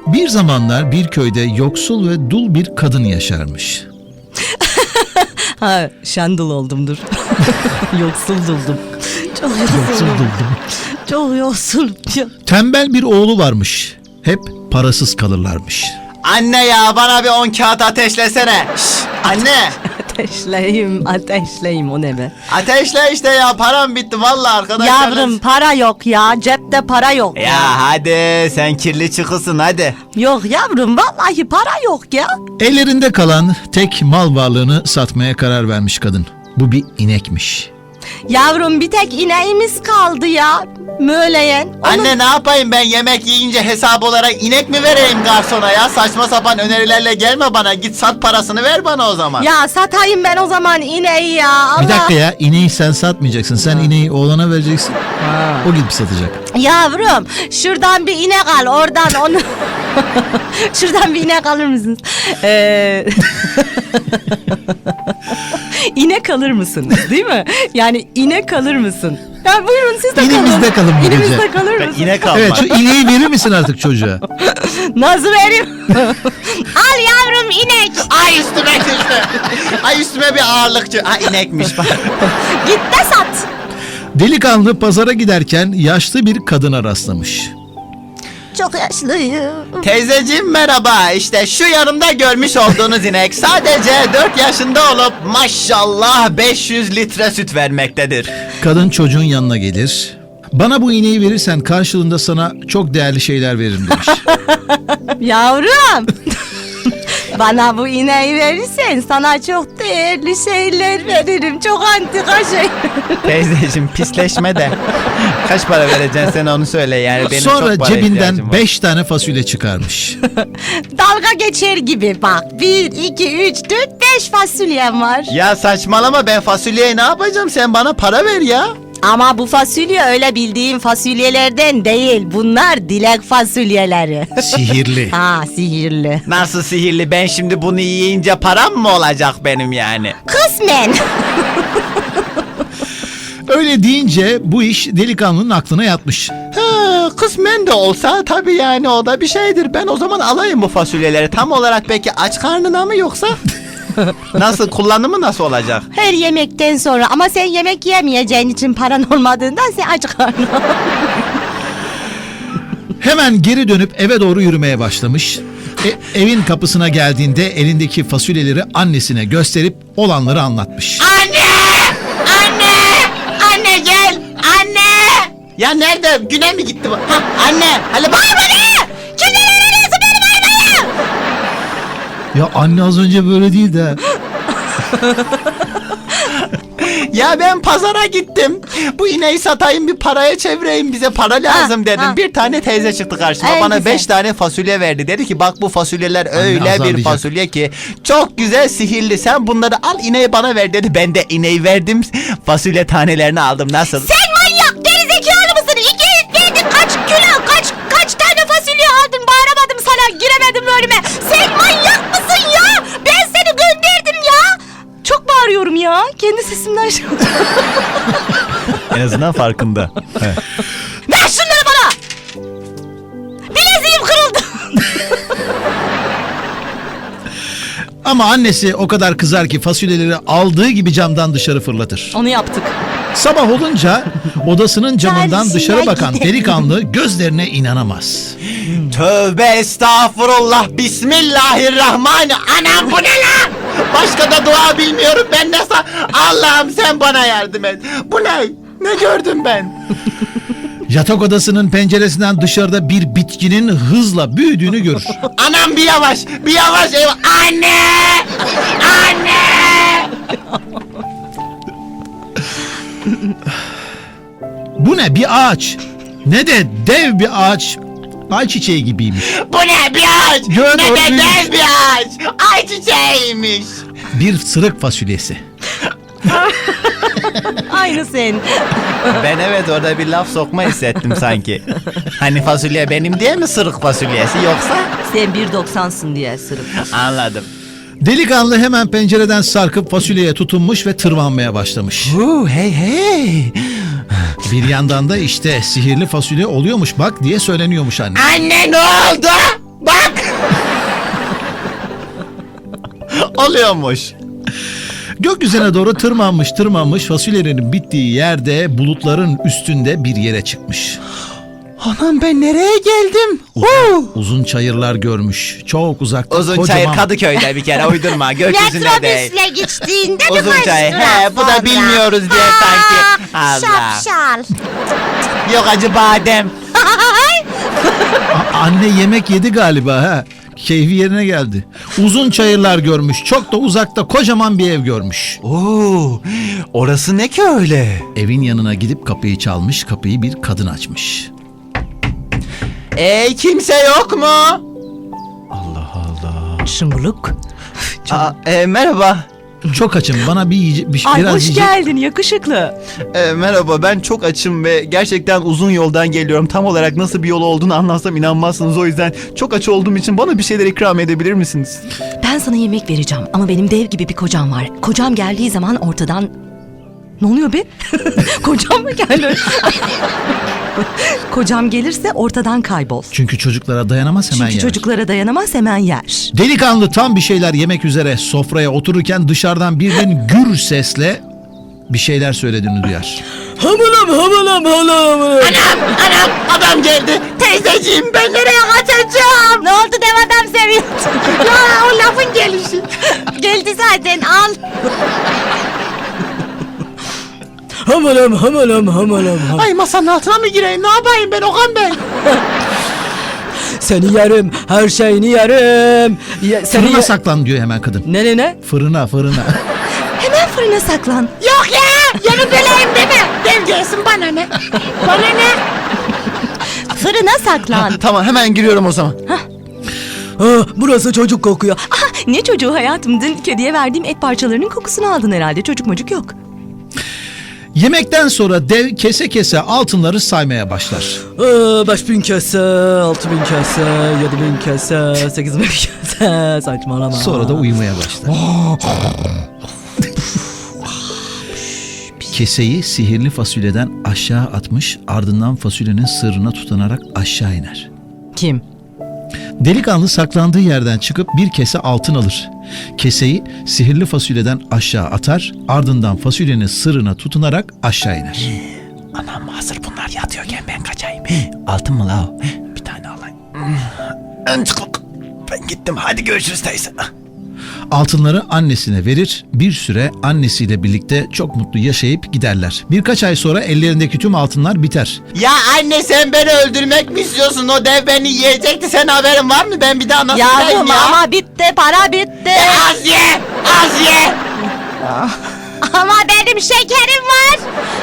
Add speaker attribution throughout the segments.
Speaker 1: Bir zamanlar bir köyde yoksul ve dul bir kadın yaşarmış.
Speaker 2: Ha, şendul oldumdur. Yoksul duldum. Çok
Speaker 1: Yoksul
Speaker 2: yoksuldum.
Speaker 1: duldum.
Speaker 2: Çok yoksul.
Speaker 1: Tembel bir oğlu varmış. Hep parasız kalırlarmış.
Speaker 3: Anne ya bana bir 10 kağıt ateşlesene. Şş, anne.
Speaker 2: Ateşleyeyim o ne be?
Speaker 3: Ateşle işte ya param bitti vallahi arkadaşlar.
Speaker 2: Yavrum para yok ya, cepte para yok ya.
Speaker 3: Ya hadi sen kirli çıkısın hadi.
Speaker 2: Yok yavrum vallahi para yok ya.
Speaker 1: Ellerinde kalan tek mal varlığını satmaya karar vermiş kadın. Bu bir inekmiş.
Speaker 2: Yavrum bir tek ineğimiz kaldı ya. Möleyen.
Speaker 3: Anne ne yapayım ben yemek yiyince hesap olarak inek mi vereyim garsona ya? Saçma sapan önerilerle gelme bana. Git sat parasını ver bana o zaman.
Speaker 2: Ya satayım ben o zaman ineği ya. Allah.
Speaker 1: Bir dakika ya, ineği sen satmayacaksın. Sen ineği oğlana vereceksin. O gidip satacak.
Speaker 2: Yavrum şuradan bir inek al oradan onu. Şuradan bir inek alır mısınız? İnek alır mısınız değil mi? Yani inek alır mısın? Ya buyurun siz de kalın.
Speaker 1: İnemizde kalın bu gece.
Speaker 2: İnemizde kalır mısın?
Speaker 3: İnek alma.
Speaker 1: Evet, şu ineği verir misin artık çocuğa?
Speaker 2: Nasıl vereyim? Al yavrum inek.
Speaker 3: Ay üstüme düştü. Ay üstüme bir ağırlıkçı. Ha inekmiş bak.
Speaker 2: Git de sat.
Speaker 1: Delikanlı pazara giderken yaşlı bir kadına rastlamış.
Speaker 2: Çok yaşlıyım.
Speaker 3: Teyzeciğim merhaba. İşte şu yanımda görmüş olduğunuz inek sadece 4 yaşında olup maşallah 500 litre süt vermektedir.
Speaker 1: Kadın çocuğun yanına gelir. Bana bu ineği verirsen karşılığında sana çok değerli şeyler veririm demiş.
Speaker 2: Yavrum. Bana bu ineği verirsen sana çok değerli şeyler veririm. Çok antika şey.
Speaker 3: Teyzeciğim pisleşme de. Kaç para vereceksin sen onu söyle yani benim
Speaker 1: Sonra
Speaker 3: çok para ihtiyacım
Speaker 1: cebinden
Speaker 3: var.
Speaker 1: 5 tane fasulye çıkarmış.
Speaker 2: Dalga geçer gibi bak. 1, 2, 3, 4, 5 fasulyem var.
Speaker 3: Ya saçmalama ben fasulyeyi ne yapacağım sen bana para ver ya.
Speaker 2: Ama bu fasulye öyle bildiğin fasulyelerden değil. Bunlar dilek fasulyeleri.
Speaker 1: Sihirli.
Speaker 2: Ha sihirli.
Speaker 3: Nasıl sihirli ben şimdi bunu yiyince param mı olacak benim yani?
Speaker 2: Kısmen.
Speaker 1: Öyle deyince bu iş delikanlının aklına yatmış.
Speaker 3: Ha, kısmen de olsa tabii yani o da bir şeydir. Ben o zaman alayım bu fasulyeleri. Tam olarak peki aç karnına mı yoksa? Nasıl kullanımı nasıl olacak?
Speaker 2: Her yemekten sonra ama sen yemek yemeyeceğin için paran olmadığından sen aç karnına.
Speaker 1: Hemen geri dönüp eve doğru yürümeye başlamış. Evin kapısına geldiğinde elindeki fasulyeleri annesine gösterip olanları anlatmış.
Speaker 3: Anne! Anne! Anne gel! Anne! Ya nerede? Güne mi gitti bu? Ha, anne! Hadi bak bana! Kimden öğreniyorsun benim arabayı?
Speaker 1: Ya anne az önce böyle değildi.
Speaker 3: Ya ben pazara gittim. Bu ineği satayım bir paraya çevireyim bize para lazım dedim.
Speaker 2: ha.
Speaker 3: Bir tane teyze çıktı karşıma
Speaker 2: En
Speaker 3: bana
Speaker 2: güzel.
Speaker 3: 5 tane fasulye verdi. Dedi ki bak bu fasulyeler öyle bir
Speaker 1: azarlayacak.
Speaker 3: fasulye ki çok güzel sihirli. Sen bunları al ineği bana ver dedi. Ben de ineği verdim fasulye tanelerini aldım nasıl?
Speaker 2: Sen manyak gerizekalı mısın? 200 verdin kaç kilo kaç tane fasulye aldın bağıramadım sana giremedim önüme. Sen manyak mısın ya? Ben seni gönderdim ya. Çok bağırıyorum ya. Kendi sesimden şey
Speaker 3: En azından farkında.
Speaker 2: Ver şunları bana. Bileziğim kırıldı.
Speaker 1: Ama annesi o kadar kızar ki fasulyeleri aldığı gibi camdan dışarı fırlatır.
Speaker 2: Onu yaptık.
Speaker 1: Sabah olunca odasının camından
Speaker 2: Gelsinler
Speaker 1: dışarı bakan
Speaker 2: gidelim.
Speaker 1: delikanlı gözlerine inanamaz.
Speaker 3: Tövbe estağfurullah. Bismillahirrahmanirrahim. Anam bu ne lan? Başka da dua bilmiyorum ben nasıl? Allah'ım sen bana yardım et. Bu ne? Ne gördüm ben?
Speaker 1: Yatak odasının penceresinden dışarıda bir bitkinin hızla büyüdüğünü görür.
Speaker 3: Anam bir yavaş. Bir yavaş. Eyvah. Anne! Anne!
Speaker 1: Bu ne, bir ağaç? Ne de dev bir ağaç. Ay çiçeği gibiymiş.
Speaker 3: Bu ne bir ağaç?
Speaker 1: Gör
Speaker 3: Ne de
Speaker 1: oğlum.
Speaker 3: dev bir ağaç. Ay çiçeğiymiş.
Speaker 1: Bir sırık fasulyesi.
Speaker 2: Aynı sen.
Speaker 3: Ben evet orada bir laf sokma hissettim sanki. Hani fasulye benim diye mi sırık fasulyesi yoksa?
Speaker 2: Sen 1.90'sın diye sırık.
Speaker 3: Anladım.
Speaker 1: Delikanlı hemen pencereden sarkıp fasulyeye tutunmuş ve tırmanmaya başlamış.
Speaker 3: Hey hey.
Speaker 1: Bir yandan da işte sihirli fasulye oluyormuş bak diye söyleniyormuş anne.
Speaker 3: Anne ne oldu? Bak Oluyormuş.
Speaker 1: Gökyüzüne doğru tırmanmış fasulyenin bittiği yerde bulutların üstünde bir yere çıkmış.
Speaker 3: Anam ben nereye geldim?
Speaker 1: Uzun çayırlar görmüş. Çok uzakta
Speaker 3: Uzun çayır Kadıköy'de bir kere uydurma. Gökyüzünde değil.
Speaker 2: Metrobüsle geçtiğinde
Speaker 3: Uzun
Speaker 2: birkaç
Speaker 3: çayır.
Speaker 2: durak
Speaker 3: He bu da
Speaker 2: sonra.
Speaker 3: bilmiyoruz diye sanki. Allah.
Speaker 2: Şapşal.
Speaker 3: Yok acı badem.
Speaker 1: Anne yemek yedi galiba ha. Keyfi yerine geldi. Uzun çayırlar görmüş. Çok da uzakta kocaman bir ev görmüş.
Speaker 3: Oo, orası ne ki öyle?
Speaker 1: Evin yanına gidip kapıyı çalmış. Kapıyı bir kadın açmış.
Speaker 3: Kimse yok mu?
Speaker 4: Şıngılık.
Speaker 3: Merhaba.
Speaker 1: Çok açım. Bana
Speaker 4: Ay
Speaker 1: biraz
Speaker 4: hoş
Speaker 1: yiyecek.
Speaker 4: geldin yakışıklı.
Speaker 3: Merhaba ben çok açım ve gerçekten uzun yoldan geliyorum. Tam olarak nasıl bir yol olduğunu anlatsam inanmazsınız. O yüzden çok aç olduğum için bana bir şeyler ikram edebilir misiniz?
Speaker 4: Ben sana yemek vereceğim ama benim dev gibi bir kocam var. Kocam geldiği zaman ortadan... Ne oluyor be? Kocam mı geldi? Kocam gelirse ortadan kaybol.
Speaker 1: Çünkü çocuklara dayanamaz hemen
Speaker 4: Çünkü
Speaker 1: yer.
Speaker 4: çocuklara dayanamaz hemen yer.
Speaker 1: Delikanlı tam bir şeyler yemek üzere sofraya otururken dışarıdan birden gür sesle bir şeyler söylediğini duyar.
Speaker 3: Anam adam geldi. Teyzeciğim ben nereye kaçacağım?
Speaker 2: Ne oldu dev adam seviyor.
Speaker 3: Ya o lafın gelişi.
Speaker 2: Geldi zaten al.
Speaker 4: Hamalam.
Speaker 3: Ay masanın altına mı gireyim ne yapayım ben Okan Bey?
Speaker 4: Seni yerim, her şeyini yerim.
Speaker 1: Fırına saklan diyor hemen kadın.
Speaker 4: Ne?
Speaker 1: Fırına.
Speaker 4: Hemen fırına saklan.
Speaker 2: Yok ya. Yanı böleyim deme. Dev gelsin bana ne? Bana ne? Fırına saklan.
Speaker 3: Tamam hemen giriyorum o zaman.
Speaker 4: Burası çocuk kokuyor. Aha, ne çocuğu hayatım? Dün kediye verdiğim et parçalarının kokusunu aldın herhalde. Çocuk mocuk yok.
Speaker 1: Yemekten sonra dev kese kese altınları saymaya başlar.
Speaker 4: 5000 kese, 6000 kese, 7000 kese, 8000 kese. Saçmalama.
Speaker 1: Sonra da uyumaya başlar. Keseyi sihirli fasulyeden aşağı atmış, ardından fasulyenin sırrına tutanarak aşağı iner.
Speaker 4: Kim?
Speaker 1: Delikanlı saklandığı yerden çıkıp bir kese altın alır. Keseyi sihirli fasulyeden aşağı atar, ardından fasulyenin sırrına tutunarak aşağı iner.
Speaker 3: Anam hazır bunlar yatıyorken ben kaçayım. Altın mı la o? Bir tane alayım. Ben gittim hadi görüşürüz teyze.
Speaker 1: Altınları annesine verir, bir süre annesiyle birlikte çok mutlu yaşayıp giderler. Birkaç ay sonra ellerindeki tüm altınlar biter.
Speaker 3: Ya anne sen beni öldürmek mi istiyorsun? O dev beni yiyecekti. Sen haberin var mı? Ben bir daha nasıl yiyeyim
Speaker 2: Yavrum
Speaker 3: ya?
Speaker 2: ama bitti para bitti.
Speaker 3: Az ye! Az ye!
Speaker 2: Ama benim şekerim var.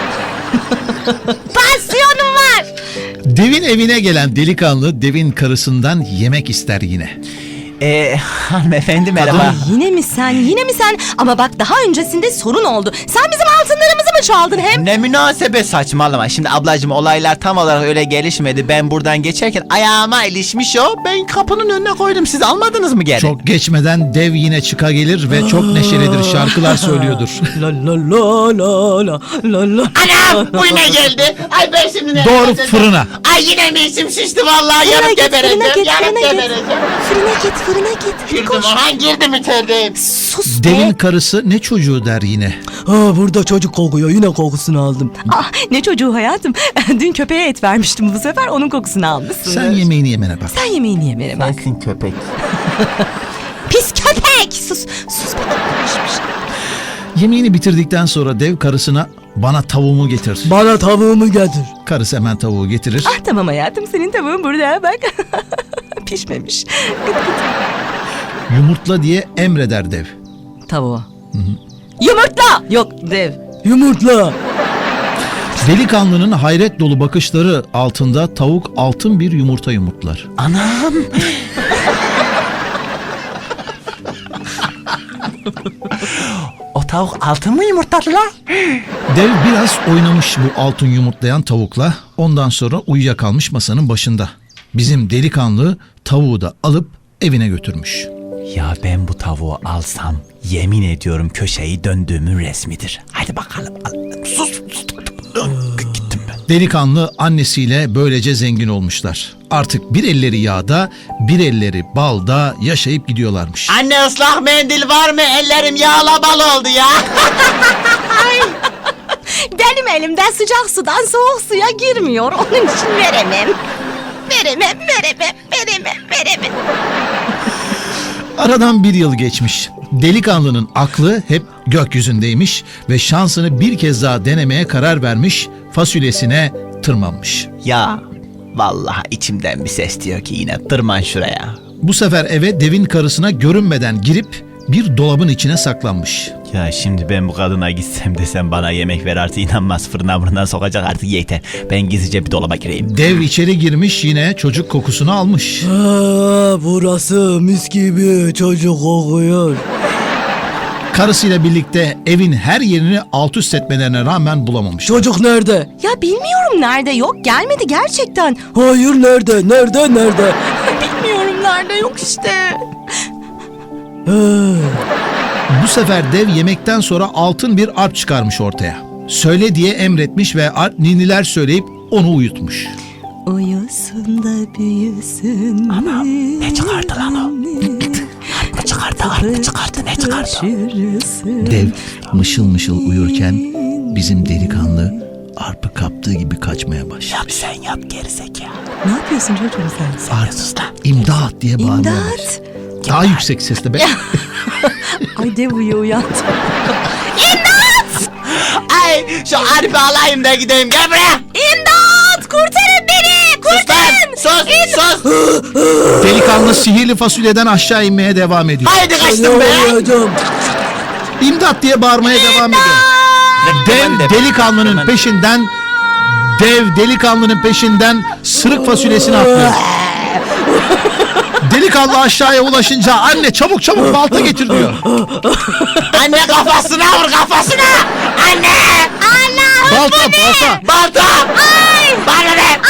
Speaker 2: Pansiyonum var.
Speaker 1: Devin evine gelen delikanlı devin karısından yemek ister yine.
Speaker 3: Hanımefendi merhaba.
Speaker 4: Ay, yine mi sen? Ama bak daha öncesinde sorun oldu. Sen bizim altınlarımızı mı çaldın hem?
Speaker 3: Ne münasebet saçmalama. Şimdi ablacığım olaylar tam olarak öyle gelişmedi. Ben buradan geçerken ayağıma ilişmiş o. Ben kapının önüne koydum. Siz almadınız mı geri?
Speaker 1: Çok geçmeden dev yine çıka gelir ve çok neşelidir, şarkılar söylüyordur.
Speaker 4: La la la la la la la.
Speaker 3: Anam bu yine geldi. Ay ben şimdi ne
Speaker 1: Doğru
Speaker 3: yapacağım?
Speaker 1: fırına.
Speaker 3: Ay yine mi içim şişti vallahi.
Speaker 4: Fırına
Speaker 3: Yanıp
Speaker 4: git,
Speaker 3: gebereceğim.
Speaker 4: fırına git,
Speaker 3: Yanıp
Speaker 4: fırına git.
Speaker 3: gebereceğim.
Speaker 4: Fırına git. Hadi
Speaker 3: Girdim
Speaker 4: koş.
Speaker 3: Orhan girdim içerideyim.
Speaker 4: Sus
Speaker 1: Devin
Speaker 4: be.
Speaker 1: karısı ne çocuğu der yine.
Speaker 4: Burada çocuk kokuyor. Yine kokusunu aldım. Ne çocuğu hayatım? Dün köpeğe et vermiştim, bu sefer onun kokusunu almışsın.
Speaker 1: Sen yemeğini yemene bak.
Speaker 4: Sen yemeğini yemene bak.
Speaker 3: Sensin köpek.
Speaker 2: Pis köpek. Sus bakayım.
Speaker 1: Yemeğini bitirdikten sonra dev karısına bana tavuğumu getir.
Speaker 4: Bana tavuğumu getir.
Speaker 1: Karısı hemen tavuğu getirir.
Speaker 4: Ah tamam hayatım, senin tavuğun burada bak. Pişmemiş. Gıt gıt.
Speaker 1: Yumurtla diye emreder dev.
Speaker 4: Tavuğu. Yumurtla. Yok dev. Yumurtla.
Speaker 1: Delikanlının hayret dolu bakışları altında tavuk altın bir yumurta yumurtlar.
Speaker 3: Anam. O tavuk altın mı yumurtladı la?
Speaker 1: Dev biraz oynamış bu altın yumurtlayan tavukla. Ondan sonra uyuyakalmış masanın başında. Bizim delikanlı tavuğu da alıp evine götürmüş.
Speaker 3: Ya ben bu tavuğu alsam yemin ediyorum köşeyi döndüğümün resmidir. Hadi bakalım. Sus. Gittim ben.
Speaker 1: Delikanlı annesiyle böylece zengin olmuşlar. Artık bir elleri yağda, bir elleri balda yaşayıp gidiyorlarmış.
Speaker 3: Anne ıslak mendil var mı? Ellerim yağla bal oldu ya.
Speaker 2: Benim elimden sıcak sudan soğuk suya girmiyor. Onun için veremem. Veremem.
Speaker 1: Aradan bir yıl geçmiş. Delikanlının aklı hep gökyüzündeymiş ve şansını bir kez daha denemeye karar vermiş, fasulyesine tırmanmış.
Speaker 3: Ya vallahi içimden bir ses diyor ki yine tırman şuraya.
Speaker 1: Bu sefer eve devin karısına görünmeden girip bir dolabın içine saklanmış.
Speaker 3: Ya şimdi ben bu kadına gitsem desem bana yemek ver artık inanmaz, fırından sokacak artık yeter. Ben gizlice bir dolaba gireyim.
Speaker 1: Dev içeri girmiş, yine çocuk kokusunu almış.
Speaker 5: Burası mis gibi çocuk kokuyor.
Speaker 1: Karısıyla birlikte evin her yerini alt üst etmelerine rağmen bulamamış.
Speaker 5: Çocuk nerede?
Speaker 4: Ya bilmiyorum nerede, yok gelmedi gerçekten.
Speaker 5: Hayır nerede? Nerede?
Speaker 4: Bilmiyorum nerede, yok işte.
Speaker 1: Bu sefer dev yemekten sonra altın bir arp çıkarmış ortaya. Söyle diye emretmiş ve arp niniler söyleyip onu uyutmuş.
Speaker 4: Uyusun da büyüsün.
Speaker 3: Ama ne çıkardı lan o? Ne çıkardı? Ne çıkardı?
Speaker 1: Dev mışıl mışıl uyurken bizim delikanlı arpı kaptığı gibi kaçmaya başladı.
Speaker 3: Yap sen yap gerizekalı.
Speaker 4: Ne yapıyorsun çocuğum sen?
Speaker 1: Arp, imdat diye bağırmaya başladı.
Speaker 4: İmdat.
Speaker 1: Daha yüksek sesle be.
Speaker 4: Ay dev uyandı.
Speaker 3: Ay şu harfi alayım da gideyim, gel buraya.
Speaker 2: İmdat! Kurtarın beni!
Speaker 3: Sus lan, sus.
Speaker 1: Delikanlı sihirli fasulyeden aşağı inmeye devam ediyor.
Speaker 3: Haydi
Speaker 5: Ne
Speaker 3: kaçtım be.
Speaker 5: olacağım?
Speaker 1: İmdat diye bağırmaya devam ediyor. Dev delikanlının peşinden sırık fasulyesini atlıyor. Delikanlı aşağıya ulaşınca anne çabuk balta getir diyor.
Speaker 3: Anne kafasına vur, kafasına. Anne.
Speaker 1: Balta.
Speaker 3: Balta. Bana ne?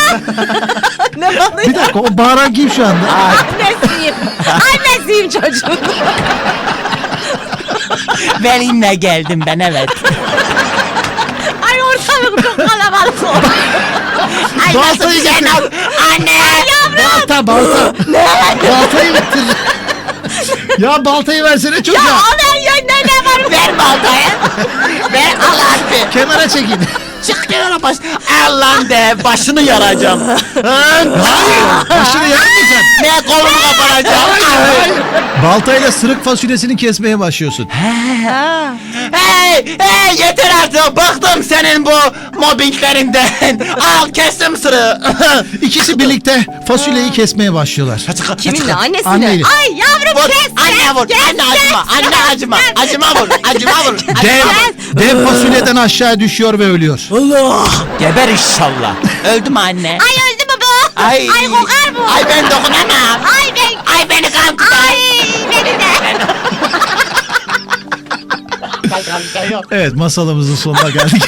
Speaker 1: Bir dakika, o bağıran kim şu anda?
Speaker 2: Annesiyim çocuğun.
Speaker 3: Benimle geldim ben, evet.
Speaker 2: Ay ortalık çok kalabalık oldu.
Speaker 3: Ay
Speaker 1: Baltayı
Speaker 3: nasıl bir şey
Speaker 1: getir.
Speaker 3: lan? Anne.
Speaker 1: Balta. Baltayı getir. Ya baltayı versene çocuğa.
Speaker 2: Al yönde ne var?
Speaker 3: Ver baltayı. Ver al harfi.
Speaker 1: Kenara çekin.
Speaker 3: Çık kenara baş. Allah'ım de başını yaracağım.
Speaker 1: Hayır. Başını yakmayacaksın.
Speaker 3: Ne kolunu kapanacağım.
Speaker 1: Baltayla sırık fasulyesini kesmeye başlıyorsun.
Speaker 3: Hey yeter artık, bıktım senin bu mobbinglerinden. Al kestim sırrı.
Speaker 1: İkisi birlikte fasulyeyi kesmeye başlıyorlar.
Speaker 4: Kiminle? Annesine.
Speaker 1: Anneyle.
Speaker 2: Ay yavrum
Speaker 3: Vur,
Speaker 2: kes.
Speaker 3: anne vur, anne acıma, acıma vur.
Speaker 1: Dev fasulyeden aşağı düşüyor ve ölüyor.
Speaker 5: Allah!
Speaker 3: Geber inşallah. Öldü mü anne?
Speaker 2: Ay öldü mü bu?
Speaker 3: Ay
Speaker 2: kokar bu.
Speaker 3: Ay ben dokunamam. Ay beni kan tutar.
Speaker 2: Ay beni de.
Speaker 1: Evet, masalımızın sonuna geldik.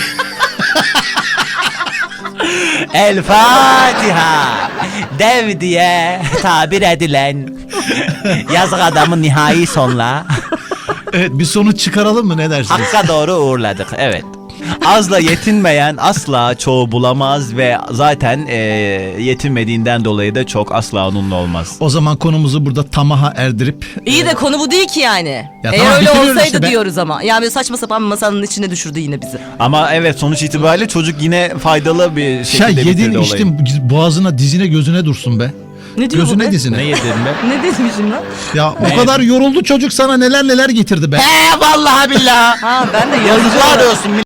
Speaker 3: El Fatiha. Dev diye tabir edilen yazık adamın nihai sonla
Speaker 1: Evet, bir sonuç çıkaralım mı, ne dersiniz?
Speaker 3: Hakka doğru uğurladık, evet. Azla yetinmeyen asla çoğu bulamaz ve zaten yetinmediğinden dolayı da çok asla onunla olmaz.
Speaker 1: O zaman konumuzu burada tamaha erdirip
Speaker 4: İyi de konu bu değil ki yani.
Speaker 1: Ya
Speaker 4: Eğer
Speaker 1: tamam,
Speaker 4: öyle
Speaker 1: bitiriyoruz
Speaker 4: olsaydı
Speaker 1: işte be.
Speaker 4: diyoruz ama. Yani böyle saçma sapan bir masanın içine düşürdü yine bizi.
Speaker 3: Ama evet, sonuç itibariyle çocuk yine faydalı bir
Speaker 1: ya
Speaker 3: şekilde
Speaker 1: yedin
Speaker 3: bitirdi olayı.
Speaker 1: içtin, boğazına, dizine, gözüne dursun be.
Speaker 4: Ne diyor bu
Speaker 1: Gözüne,
Speaker 4: be?
Speaker 1: dizine.
Speaker 3: Ne yedin be?
Speaker 4: Ne demişim lan?
Speaker 1: Ya o kadar yoruldu çocuk, sana neler getirdi be.
Speaker 3: He vallahi billahi.
Speaker 4: Ha ben de
Speaker 3: Yazıklar olsun.